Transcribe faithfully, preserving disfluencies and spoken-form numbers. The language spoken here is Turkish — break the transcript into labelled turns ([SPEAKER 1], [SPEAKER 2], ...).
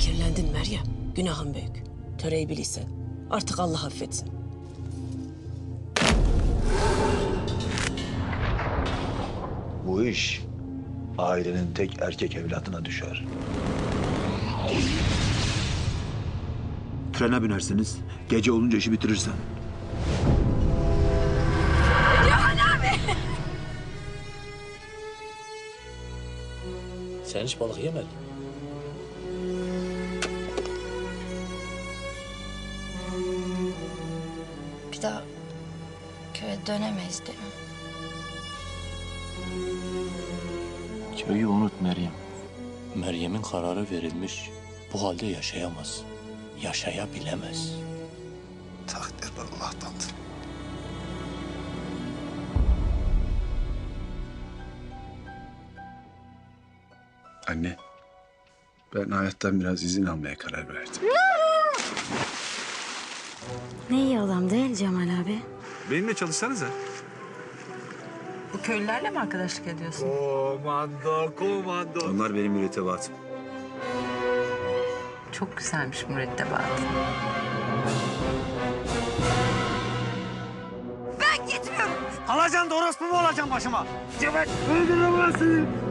[SPEAKER 1] Kirlendin Meryem. Günahın büyük. Töreyi bilirsen artık Allah affetsin.
[SPEAKER 2] Bu iş ailenin tek erkek evladına düşer.
[SPEAKER 3] Trene binersiniz, gece olunca işi bitirirsen.
[SPEAKER 4] Sen hiç balık yemedin.
[SPEAKER 5] Bir daha köye dönemeyiz değil mi?
[SPEAKER 4] Köyü unut Meryem. Meryem'in kararı verilmiş. Bu halde yaşayamaz. Yaşayabilemez.
[SPEAKER 2] Takdir Allah'tandır.
[SPEAKER 6] Anne, ben hayattan biraz izin almaya karar verdim.
[SPEAKER 7] Ne iyi adam değil Cemal abi.
[SPEAKER 6] Benimle çalışsanıza.
[SPEAKER 8] Bu köylülerle mi arkadaşlık ediyorsun?
[SPEAKER 6] Komando, komando. Onlar benim mürettebatım.
[SPEAKER 8] Çok güzelmiş mürettebat.
[SPEAKER 3] Alacaksın da orospu mu olacaksın başıma? Cevap öldüremezsin.